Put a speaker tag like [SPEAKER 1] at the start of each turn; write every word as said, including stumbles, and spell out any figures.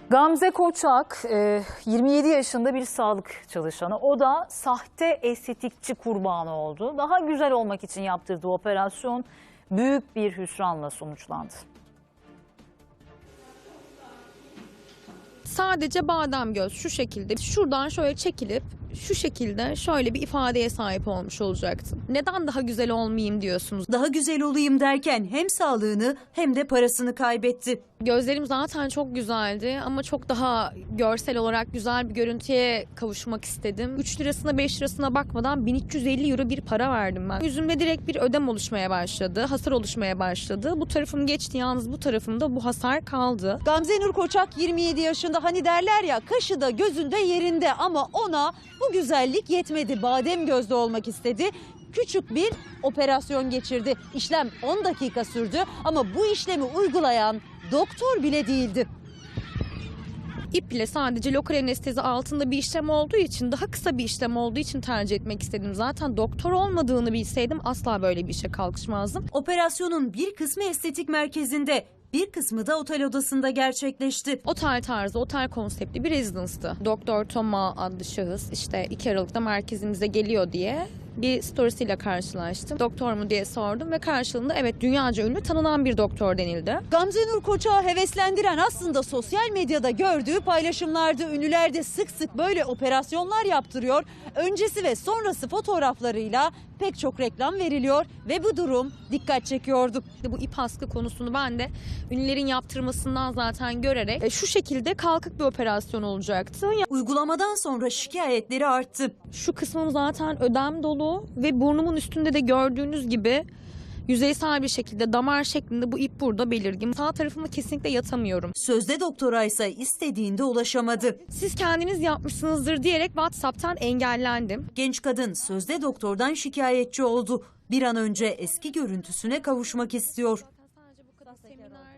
[SPEAKER 1] Gamze Koçak yirmi yedi yaşında bir sağlık çalışanı. O da sahte estetikçi kurbanı oldu. Daha güzel olmak için yaptırdığı operasyon büyük bir hüsranla sonuçlandı.
[SPEAKER 2] Sadece badem göz şu şekilde şuradan şöyle çekilip şu şekilde şöyle bir ifadeye sahip olmuş olacaktım. Neden daha güzel olmayayım diyorsunuz?
[SPEAKER 3] Daha güzel olayım derken hem sağlığını hem de parasını kaybetti.
[SPEAKER 2] Gözlerim zaten çok güzeldi ama çok daha görsel olarak güzel bir görüntüye kavuşmak istedim. üç lirasına beş lirasına bakmadan bin üç yüz elli euro bir para verdim ben. Yüzümde direkt bir ödem oluşmaya başladı, hasar oluşmaya başladı. Bu tarafım geçti, yalnız bu tarafımda bu hasar kaldı.
[SPEAKER 3] Gamze Nur Koçak yirmi yedi yaşında, hani derler ya kaşı da gözünde yerinde, ama ona bu güzellik yetmedi. Badem gözlü olmak istedi. Küçük bir operasyon geçirdi. İşlem on dakika sürdü ama bu işlemi uygulayan doktor bile değildi.
[SPEAKER 2] İple sadece lokal anestezi altında bir işlem olduğu için, daha kısa bir işlem olduğu için tercih etmek istedim. Zaten doktor olmadığını bilseydim asla böyle bir işe kalkışmazdım.
[SPEAKER 3] Operasyonun bir kısmı estetik merkezinde, bir kısmı da otel odasında gerçekleşti.
[SPEAKER 2] Otel tarzı, otel konseptli bir rezidanstı. Doktor Toma adlı şahıs işte iki Aralık'ta merkezimize geliyor diye bir storiesiyle karşılaştım. Doktor mu diye sordum ve karşılığında evet, dünyaca ünlü tanınan bir doktor denildi.
[SPEAKER 3] Gamze Nur Koçak'ı heveslendiren aslında sosyal medyada gördüğü paylaşımlardı. Ünlüler de sık sık böyle operasyonlar yaptırıyor. Öncesi ve sonrası fotoğraflarıyla pek çok reklam veriliyor ve bu durum dikkat çekiyordu.
[SPEAKER 2] Bu ip askı konusunu ben de ünlülerin yaptırmasından zaten görerek e, şu şekilde kalkık bir operasyon olacaktı.
[SPEAKER 3] Uygulamadan sonra şikayetleri arttı.
[SPEAKER 2] Şu kısmım zaten ödem dolu ve burnumun üstünde de gördüğünüz gibi yüzeysel bir şekilde damar şeklinde bu ip burada belirgin. Sağ tarafımda kesinlikle yatamıyorum.
[SPEAKER 3] Sözde doktora ise istediğinde ulaşamadı.
[SPEAKER 2] Siz kendiniz yapmışsınızdır diyerek WhatsApp'tan engellendim.
[SPEAKER 3] Genç kadın sözde doktordan şikayetçi oldu. Bir an önce eski görüntüsüne kavuşmak istiyor.
[SPEAKER 2] Sadece bu kadar seminer